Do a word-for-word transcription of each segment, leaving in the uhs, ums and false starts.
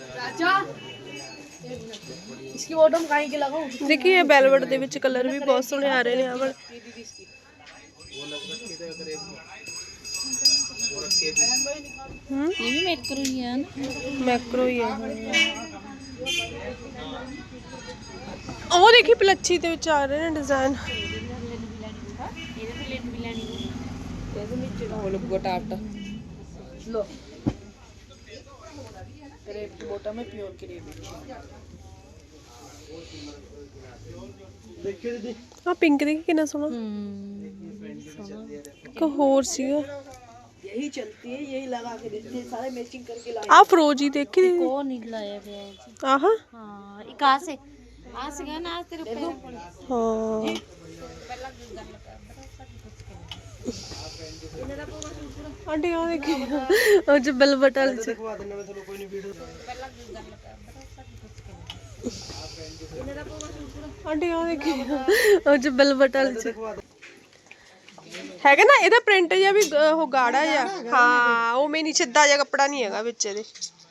इसकी बॉटम काहे के लगाऊं? देखिए ये वेलवेट ਦੇ ਵਿੱਚ ਕਲਰ ਵੀ ਬਹੁਤ ਸੋਹਣੇ ਆ ਰਹੇ ਨੇ ਆ ਵਾਲੇ। हम्म ये भी मैक्रो ही है ना, मैक्रो ही है। ਉਹ ਦੇਖੀ ਪਲੱਛੀ ਦੇ ਵਿੱਚ ਆ ਰਹੇ ਨੇ ਡਿਜ਼ਾਈਨ। ਇਹਦੇ ਵਿੱਚ ਉਹ ਲੱਗੂਗਾ ਟਾਪਟ लो क्रेप की बॉटम है, प्योर क्रेप। देखिए दीदी आ पिंक देखी कितना सोना। को होर सीगा यही चलती है, यही लगा के देते हैं, सारे मैचिंग करके लाए। आ फ्रोजी देखी दीदी कौन नहीं लाया फ्रोजी? आहा हां ये कहां से आ से गया ना आज तेरे पैर पर। हां आंटी आ देखी और जो बेलवेट वाले से दिखवा देना मैं ਤੁਹਾਨੂੰ ਕੋਈ ਨਹੀਂ ਵੀਡੀਓ आंटी आ देखी और जो बेलवेट वाले से ਹੈਗਾ ਨਾ ਇਹਦਾ ਪ੍ਰਿੰਟ ਜਿਹਾ ਵੀ ਉਹ ਗਾੜਾ ਜਿਹਾ। ਹਾਂ ਉਹ ਮੈਨੀ ਸਿੱਧਾ ਜਿਹਾ ਕੱਪੜਾ ਨਹੀਂ ਹੈਗਾ ਵਿੱਚ ਇਹਦੇ।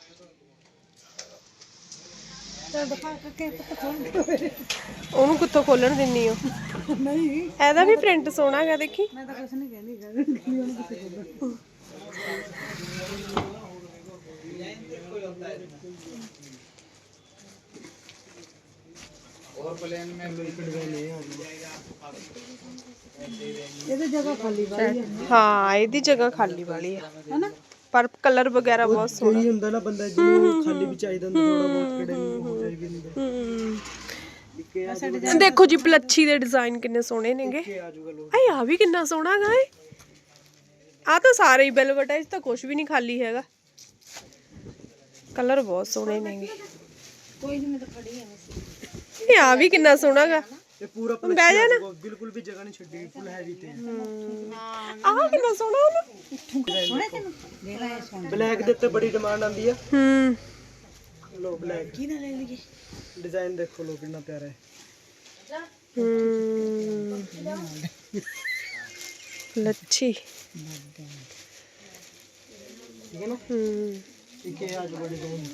ਉਹਨੂੰ ਕਿੱਥੋਂ ਖੋਲਣ ਦਿੰਨੀ ਹੋ? ਨਹੀਂ ਇਹਦਾ ਵੀ ਪ੍ਰਿੰਟ ਸੋਹਣਾ ਹੈਗਾ ਦੇਖੀ। ਮੈਂ ਤਾਂ ਕੁਝ ਨਹੀਂ ਕਹਿੰਦੀ ਉਹਨੂੰ ਕਿੱਥੇ ਖੋਲਣ। और प्लेन में ਇਹਦੀ ਜਗ੍ਹਾ ਖਾਲੀ ਵਾਲੀ ਹੈ। ਹਾਂ ਇਹਦੀ ਜਗ੍ਹਾ ਖਾਲੀ ਵਾਲੀ ਹੈ ਹੈਨਾ, ਪਰ ਕਲਰ ਵਗੈਰਾ ਬਹੁਤ ਸੋਹਣਾ ਹੀ ਹੁੰਦਾ ਨਾ ਬੰਦਾ ਜਿਹਨੂੰ ਖਾਲੀ ਵੀ ਚਾਹੀਦਾ ਹੁੰਦਾ ਥੋੜਾ ਬਹੁਤ ਕਿਹੜੇ ਹੋ ਜਾਈ ਵੀ ਹੁੰਦਾ। ਦੇਖੋ ਜੀ ਪਲੱਛੀ ਦੇ ਡਿਜ਼ਾਈਨ ਕਿੰਨੇ ਸੋਹਣੇ ਨੇਗੇ। ਆਏ ਆ ਵੀ ਕਿੰਨਾ ਸੋਹਣਾ ਹੈਗਾ ਏ। ਆ ਤਾਂ ਸਾਰੇ ਹੀ ਵੈਲਵਟ ਹੈ, ਇਸ ਤਾਂ ਕੁਝ ਵੀ ਨਹੀਂ ਖਾਲੀ ਹੈਗਾ। ਕਲਰ ਬਹੁਤ ਸੋਹਣੇ ਨੇਗੇ। कोई नहीं, मैं तो खड़ी है वैसे। ਇਹ ਆ ਵੀ ਕਿੰਨਾ ਸੋਹਣਾ ਹੈਗਾ। ਇਹ ਪੂਰਾ ਬਹਿ ਜਾ ਨਾ, ਬਿਲਕੁਲ ਵੀ ਜਗ੍ਹਾ ਨਹੀਂ ਛੱਡੀ, ਫੁੱਲ ਹੈਵੀ ਤੇ। ਆਹ ਕਿੰਨਾ ਸੋਹਣਾ ਹੈ ਨਾ। ਬਲੈਕ ਦੇ ਉੱਤੇ ਬੜੀ ਡਿਮਾਂਡ ਆਂਦੀ ਹੈ। ਹੂੰ ਲੋ ਬਲੈਕ ਕੀ ਨਾ ਲੈ ਲਈਏ। डिजाइन देखो लो कितना प्यारा है। हम्म लच्छी ठीक है ना। हम्म ठीक है आज बड़ी डिजाइन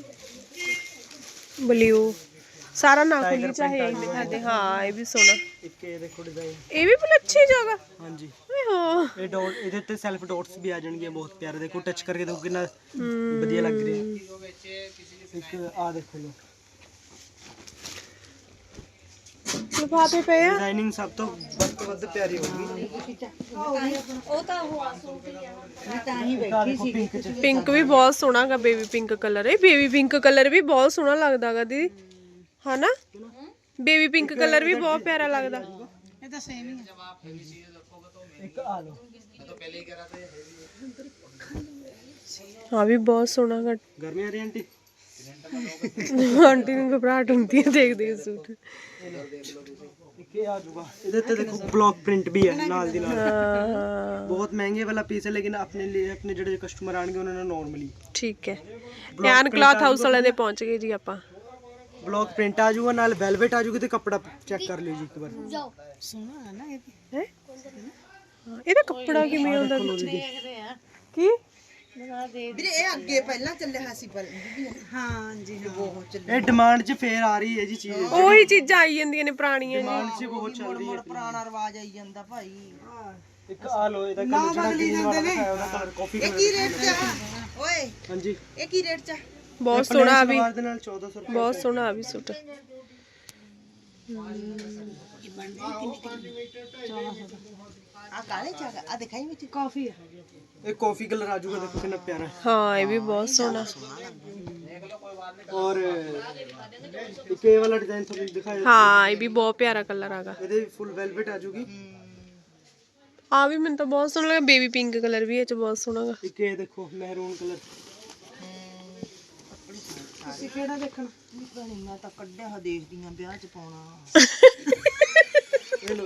ब्लू सारा ना खुली चाहे ये दिखा दे। हां ये भी सोना। एक ये देखो डिजाइन, ये भी बड़ी अच्छी जगह। हां जी हां ये डॉट इधर ते सेल्फ डॉट्स भी आ जाएंगे, बहुत प्यारे। देखो टच करके देखो कितना बढ़िया लग रही है। एक आ देखो लो लिफाफे पे है। डिजाइनिंग सब तो ਵੱਧ ਤੋਂ ਵੱਧ ਪਿਆਰੀ ਹੋਗੀ। ਉਹ ਤਾਂ ਉਹ ਮੈਂ ਤਾਂ ਹੀ ਬੈਠੀ ਸੀ। पिंक भी बहुत सोना का, बेबी पिंक कलर है। बेबी पिंक कलर भी बहुत सोना लगता है दीदी, है ना। बेबी पिंक कलर भी बहुत प्यारा लगता। ਇਹ ਤਾਂ ਸੇਮ ਹੀ ਹੈ। एक आ लो तो पहले ही करा था। हाँ भी बहुत सोना का। गर्मी आ रही है आंटी। आंटी को घबराहट होती है देख देख सूट। ये आ जाऊगा इधर ते देखो ब्लॉक प्रिंट भी है नाल दी नाल। बहुत महंगे वाला पीस है, लेकिन अपने लिए अपने ਜਿਹੜੇ ਕਸਟਮਰ ਆਣਗੇ ਉਹਨਾਂ ਨੇ ਨਾਰਮਲੀ ठीक है। ਧਿਆਨ ਕਲਾਥ ਹਾਊਸ ਵਾਲੇ ਦੇ ਪਹੁੰਚ ਗਏ ਜੀ ਆਪਾਂ। ब्लॉक प्रिंट आ जाऊगा, नाल वेलवेट आ जाऊगा। ਤੇ ਕੱਪੜਾ ਚੈੱਕ ਕਰ ਲਿਓ ਜੀ ਇੱਕ ਵਾਰ। ਸੋਹਣਾ ਹੈ ਨਾ ਇਹ ਹੈ ਇਹਦਾ ਕੱਪੜਾ ਕਿਵੇਂ ਆਉਂਦਾ ਵਿੱਚ? ਕੀ ਵੀਰੇ ਇਹ ਅੱਗੇ ਪਹਿਲਾਂ ਚੱਲਿਆ ਹੋਇਆ ਸੀ ਪਰ ਹਾਂ ਜੀ ਬਹੁਤ ਚੱਲਿਆ। ਇਹ ਡਿਮਾਂਡ 'ਚ ਫੇਰ ਆ ਰਹੀ ਹੈ ਜੀ ਚੀਜ਼। ਉਹੀ ਚੀਜ਼ਾਂ ਆਈ ਜਾਂਦੀਆਂ ਨੇ ਪੁਰਾਣੀਆਂ ਜੀ। ਡਿਮਾਂਡ 'ਚ ਬਹੁਤ ਚੱਲ ਰਹੀ ਹੈ। ਪੁਰਾਣਾ ਰਿਵਾਜ ਆਈ ਜਾਂਦਾ ਭਾਈ। ਇੱਕ ਆ ਲੋ ਇਹਦਾ ਕਲਰ ਜਿਹੜਾ ਗ੍ਰੀਨ ਵਾਲਾ ਦਿਖਾਇਆ ਉਹਦਾ ਕਲਰ ਕਾਫੀ ਇਹ ਕੀ ਰੇਟ ਚ ਆ ਓਏ? ਹਾਂਜੀ ਇਹ ਕੀ ਰੇਟ ਚ ਆ? ਬਹੁਤ ਸੋਹਣਾ ਆ ਵੀ, ਸਲਵਾਰ ਦੇ ਨਾਲ ਚੌਦਾਂ ਸੌ ਰੁਪਏ। ਬਹੁਤ ਸੋਹਣਾ ਆ ਵੀ ਸੂਟ। ਆ ਕਾਲੇ ਚ ਆ ਦਿਖਾਈ ਵਿੱਚ ਕਾਫੀ ਹੈ। ਇਹ ਕਾਫੀ ਕਲਰ ਆ ਜਾਊਗਾ, ਦੇਖੋ ਕਿੰਨਾ ਪਿਆਰਾ ਹੈ। ਹਾਂ ਇਹ ਵੀ ਬਹੁਤ ਸੋਹਣਾ। और एक ये वाला डिजाइन थोड़ा दिखाया। ਹਾਂ ਇਹ ਵੀ ਬਹੁਤ ਪਿਆਰਾ ਕਲਰ ਆਗਾ। ਇਹਦੇ ਫੁੱਲ ਵੈਲਵਟ ਆ ਜਾਊਗੀ। ਆ ਵੀ ਮੈਨੂੰ ਤਾਂ ਬਹੁਤ ਸੋਹਣਾ ਲੱਗਾ। ਬੇਬੀ ਪਿੰਕ ਕਲਰ ਵੀ ਇਹ ਚ ਬਹੁਤ ਸੋਹਣਾ ਗਾ। ਇੱਕ ਇਹ ਦੇਖੋ ਮਹਿਰੂਨ ਕਲਰ। ਤੁਸੀਂ ਕਿਹੜਾ ਦੇਖਣਾ? ਨਹੀਂ ਮੈਂ ਤਾਂ ਕੱਢਿਆ ਹਾ ਦੇਖਦੀ ਆਂ ਵਿਆਹ ਚ ਪਾਉਣਾ। ਇਹ ਲੋ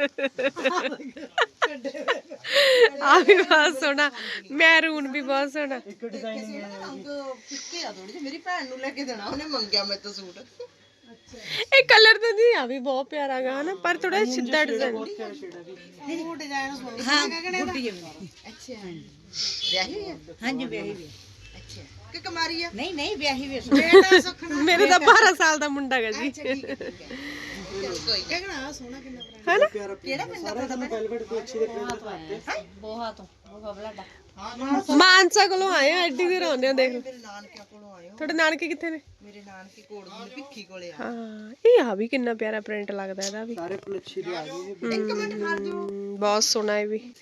ਆ ਵੀ ਬਹੁਤ ਸੋਹਣਾ। ਮੈਰੂਨ ਵੀ ਬਹੁਤ ਸੋਹਣਾ। ਇੱਕ ਡਿਜ਼ਾਈਨ ਹੈ ਰੰਗ ਫਿੱਕੇ ਆ ਥੋੜੀ ਜਿਹੀ। ਮੇਰੀ ਭੈਣ ਨੂੰ ਲੈ ਕੇ ਦੇਣਾ, ਉਹਨੇ ਮੰਗਿਆ ਮੇਰੇ ਤੋਂ ਸੂਟ। ਇਹ ਕਲਰ ਤਾਂ ਨਹੀਂ ਆ ਵੀ ਬਹੁਤ ਪਿਆਰਾ ਗਾ ਹਨਾ, ਪਰ ਥੋੜਾ ਸਿੱਧਾ ਡਿਜ਼ਾਈਨ। ਉਹ ਡਿਜ਼ਾਈਨ ਸੋਹਣਾ। ਹਾਂ ਗੁੱਡੀ ਹੈ। ਅੱਛਾ ਵਿਆਹੀ ਹੈ? ਹਾਂਜੀ ਵਿਆਹੀ ਵੀ। ਅੱਛਾ ਕਿ ਕੁਮਾਰੀ ਆ? ਨਹੀਂ ਨਹੀਂ ਵਿਆਹੀ ਵੇ ਬੇਟਾ ਸੁਖਣਾ ਮੇਰੇ ਤਾਂ ਬਾਰਾਂ ਸਾਲ ਦਾ ਮੁੰਡਾ ਹੈਗਾ ਜੀ ਕੋਈ ਕਹਿਣਾ ਆ ਸੋਹਣਾ ਕਿੰਨਾ ਹੈ ਨਾ प्यारा किहड़ा सारा ਤੁਹਾਨੂੰ वेलवेट कोई अच्छी देख रहे ਬੋਹਾ ਤੋਂ ਬੋਹਾ ਬਲਾਡਾ ਮਾਨਸਾ ਕੋਲੋਂ ਆਏ ਆ, ਐਡੀ ਦੇਰ ਆਉਂਦੇ ਆ ਦੇਖ ਲਓ। ਮੇਰੇ ਨਾਨਕਿਆਂ ਕੋਲੋਂ ਆਏ ਹੋ। ਤੁਹਾਡੇ ਨਾਨਕੇ ਕਿੱਥੇ ਨੇ? ਮੇਰੇ ਨਾਨਕੇ ਕੋੜ ਦੀ ਭਿੱਖੀ ਕੋਲੇ ਆ। ਹਾਂ ਇਹ ਆ ਵੀ ਕਿੰਨਾ ਪਿਆਰਾ ਪ੍ਰਿੰਟ ਲੱਗਦਾ ਇਹਦਾ ਵੀ। सारे पलच्छी दे आ गए ਇੱਕ ਮਿੰਟ ਖੜ ਜਾਓ। ਹਮ, ਬਹੁਤ ਸੋਹਣਾ ਹੈ ਵੀ।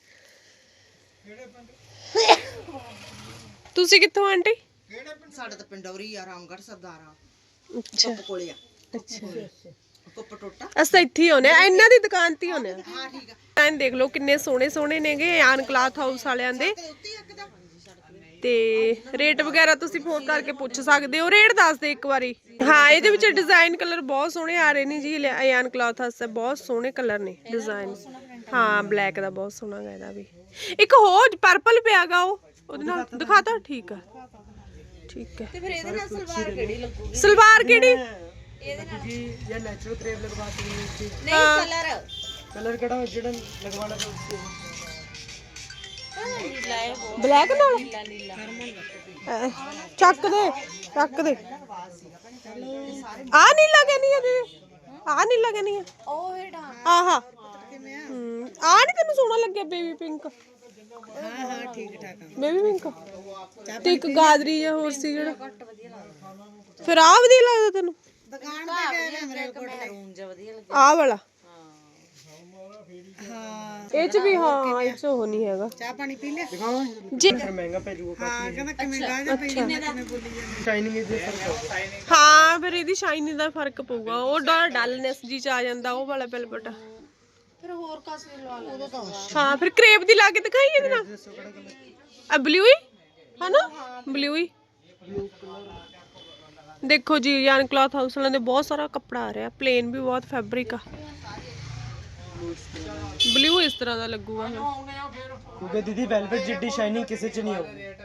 ਤੁਸੀਂ ਕਿੱਥੋਂ ਆਂਟੀ? ਸਾਡੇ ਤਾਂ ਪਿੰਡੌਰੀ ਆ, ਰਾਮਗੜ੍ਹ ਸਰਦਾਰਾਂ ਅੱਛਾ ਕੁੱਪ ਕੋਲੇ ਆ। ਅੱਛਾ ਕੁੱਪ ਟੋਟਾ। ਅਸੀਂ ਤਾਂ ਇੱਥੇ ਹੀ ਆਉਨੇ ਆ, ਇਹਨਾਂ ਦੀ ਦੁਕਾਨ ਤੇ ਹੀ ਆਉਨੇ ਆ। ਹਾਂ ਠੀਕ ਆ। ਐਂ ਦੇਖ ਲਓ ਕਿੰਨੇ ਸੋਹਣੇ ਸੋਹਣੇ ਨੇਗੇ ਆਨ ਕਲਾਥ ਹਾਊਸ ਵਾਲਿਆਂ ਦੇ। ਤੇ ਉੱਤੇ ਹੀ ਇੱਕ ਦਾ ਤੇ ਰੇਟ ਵਗੈਰਾ ਤੁਸੀਂ ਫੋਨ ਕਰਕੇ ਪੁੱਛ ਸਕਦੇ ਹੋ। ਰੇਟ ਦੱਸ ਦੇ ਇੱਕ ਵਾਰੀ। ਹਾਂ ਇਹਦੇ ਵਿੱਚ ਡਿਜ਼ਾਈਨ ਕਲਰ ਬਹੁਤ ਸੋਹਣੇ ਆ ਰਹੇ ਨੇ ਜੀ। ਆਨ ਕਲਾਥ ਹਾਊਸ ਤੇ ਬਹੁਤ ਸੋਹਣੇ ਕਲਰ ਨੇ ਡਿਜ਼ਾਈਨ। ਹਾਂ ਬਲੈਕ ਦਾ ਬਹੁਤ ਸੋਹਣਾ ਗਾ ਇਹਦਾ ਵੀ। ਇੱਕ ਹੋਰ ਪਰਪਲ ਪਿਆਗਾ ਉਹ ਉਹਦੇ ਨਾਲ ਦਿਖਾਤਾ। ਠੀਕ ਆ ਠੀਕ ਹੈ। ਤੇ ਫਿਰ ਇਹਦੇ ਨਾਲ ਸਲਵਾਰ ਕਿਹੜੀ ਲੱਗੂਗੀ? ਸਲਵਾਰ ਕਿਹੜੀ? क्योंकि ये नेचुरल क्रेप लगवा सकते हैं इसकी ਨਹੀਂ ਕਲਰ कलर केड़ा जेड़ा लगवाना था उसको ਨੀਲਾ ਹੈ ਉਹ ਬਲੈਕ ਨਾਲ ਨੀਲਾ ਨੀਲਾ ਅਹ, ਚੱਕ ਦੇ ਚੱਕ ਦੇ। ਆ ਨਹੀਂ ਲੱਗਣੀ ਇਹਦੇ। ਆ ਨਹੀਂ ਲੱਗਣੀ ਹੈ ਉਹ ਹੇਠਾਂ ਆਹਾ। ਹਮ, ਆ ਨਹੀਂ ਤੈਨੂੰ ਸੋਹਣਾ ਲੱਗਿਆ ਬੇਬੀ ਪਿੰਕ? ਹਾਂ ਹਾਂ ਠੀਕ ਠਾਕ ਆ। ਬੇਬੀ ਪਿੰਕ ਤੇ ਇੱਕ ਗਾਦਰੀ ਜਿਹਾ ਹੋਰ ਸੀ ਜਿਹੜਾ। ਫਿਰ ਆ ਵਧੀਆ ਲੱਗਦਾ ਤੈਨੂੰ? ਦੁਕਾਨ ਤੇ ਗਏ ਨੇ ਮੇਰੇ ਕੋਲ। ਮਹਿਰੂਨ ਜਿਹਾ ਵਧੀਆ ਲੱਗਿਆ। ਆਹ ਵਾਲਾ ਹਾਂ ਇਹ ਚ ਵੀ। ਹਾਂ ਇਹ ਚ ਉਹ ਨਹੀਂ ਹੈਗਾ। ਚਾਹ ਪਾਣੀ ਪੀ ਲਿਆ? दिखाओ ਜੀ फिर महंगा पे जो ਹਾਂ ਕਹਿੰਦਾ ਕਿਵੇਂ ਗਾ ਜਾ ਪਈ ਕਿਵੇਂ ਬੋਲੀ ਜਾਂਦੀ। शाइनिंग इज फर्क ਹਾਂ ਫਿਰ ਇਹਦੀ ਸ਼ਾਈਨਿੰਗ ਦਾ ਫਰਕ ਪਊਗਾ। ਉਹ ਡਲਨੈਸ ਜੀ ਚ ਆ ਜਾਂਦਾ ਉਹ ਵਾਲਾ ਬਿਲਬਟ। ਫਿਰ ਹੋਰ ਕਾਸੀ ਲਵਾ ਲੈ ਹਾਂ ਫਿਰ ਕਰੇਪ ਦੀ ਲਾ ਕੇ ਦਿਖਾਈ ਇਹਦੇ ਨਾਲ। ਆ ਬਲੂ ਹੀ ਹਨਾ? ਬਲੂ ਹੀ ਦੇਖੋ ਜੀ। ਯਾਨ ਕਲॉथ ਹਾਊਸ ਵਾਲਿਆਂ ਦੇ ਬਹੁਤ ਸਾਰਾ ਕੱਪੜਾ ਆ ਰਿਹਾ। ਪਲੇਨ ਵੀ ਬਹੁਤ ਫੈਬਰਿਕ ਆ। ਬਲੂ ਇਸ ਤਰ੍ਹਾਂ ਦਾ ਲੱਗੂਗਾ। क्योंकि दीदी वेलवेट जिड्डी शाइनिंग किसी च नहीं होगी।